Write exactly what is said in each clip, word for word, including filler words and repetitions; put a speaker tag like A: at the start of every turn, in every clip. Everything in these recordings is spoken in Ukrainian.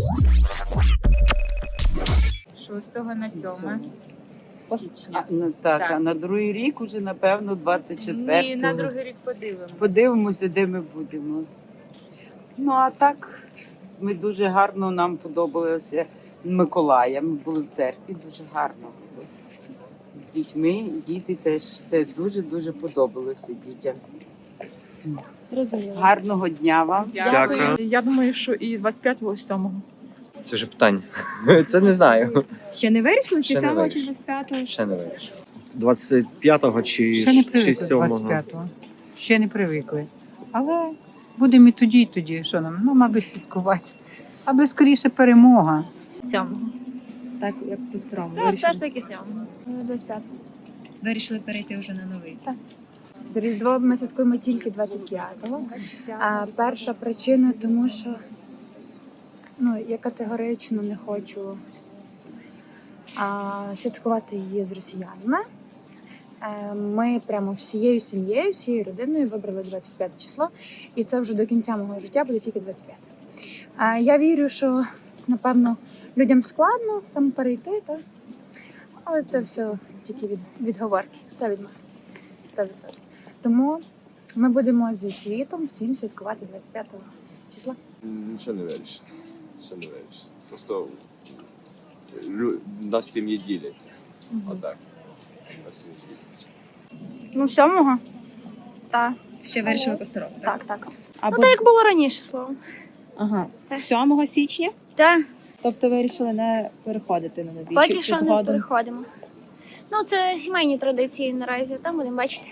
A: шостого на сьоме січня.
B: А, ну, так,
A: Так.
B: а на другий рік уже, напевно, двадцять четвертого.
A: Ні, на другий рік подивимося.
B: Подивимося, де ми будемо. Ну, а так, ми дуже гарно, нам подобалося Миколая. Ми були в церкві, дуже гарно було. З дітьми, діти теж, це дуже-дуже подобалося дітям.
C: Зрозуміло.
B: Гарного дня вам.
D: Дякую.
C: Я думаю, що і двадцять п'ятого, і сьомого.
D: Це вже питання. Це не знаю.
E: Ще не вирішили, чи
D: Ще не
E: сьомого, чи
D: вирішили.
E: двадцять п'ятого?
D: Ще не вирішив.
F: двадцять п'ятого чи,
G: Ще не
F: чи
G: привикли
F: сьомого?
G: двадцять п'ятого. Ще не привикли. Але будемо і тоді, і тоді. Що нам? Ну, мабуть, святкувати. Аби скоріше перемога.
C: Сьомого.
E: Так, як по-старому.
C: Так, все
E: Вирішили,
C: ж таки сьомого. двадцять п'ятого.
E: вирішили перейти вже на новий.
H: Різдво ми святкуємо тільки двадцять п'ятого. А перша причина, тому що ну, я категорично не хочу а, святкувати її з росіянами. Е, Ми прямо всією сім'єю, всією родиною вибрали двадцять п'яте число, і це вже до кінця мого життя буде тільки двадцять п'яте. А, Я вірю, що, напевно, людям складно там перейти, так? Але це все тільки від, відговорки, це від нас. сто відсотків. Тому ми будемо зі світом всім святкувати двадцять п'ятого числа.
I: М, Ще не вирішив. Ще не вирішив. Просто лю- нас сім'ї діляться. Отак. Нас сім'ї діляться.
C: Ну, сьомого? Так.
E: Ще вирішили по-старому.
C: Так, так.
E: Або...
C: Ну, так як було раніше, словом.
E: Ага. сьомого січня?
C: Так,
E: Тобто вирішили не переходити на новий?
C: поки
E: чи,
C: що
E: чи
C: не
E: згодом?
C: переходимо. Ну, це сімейні традиції наразі, там будемо бачити.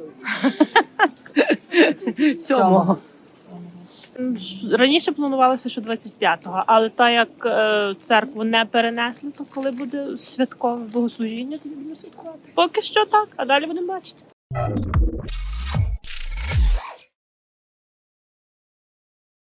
G: Сьомого.
J: Раніше планувалося, що двадцять п'ятого, але так як е, церкву не перенесли, то коли буде святкове богослужіння, тоді будемо святкувати. Поки що так, а далі будемо бачити.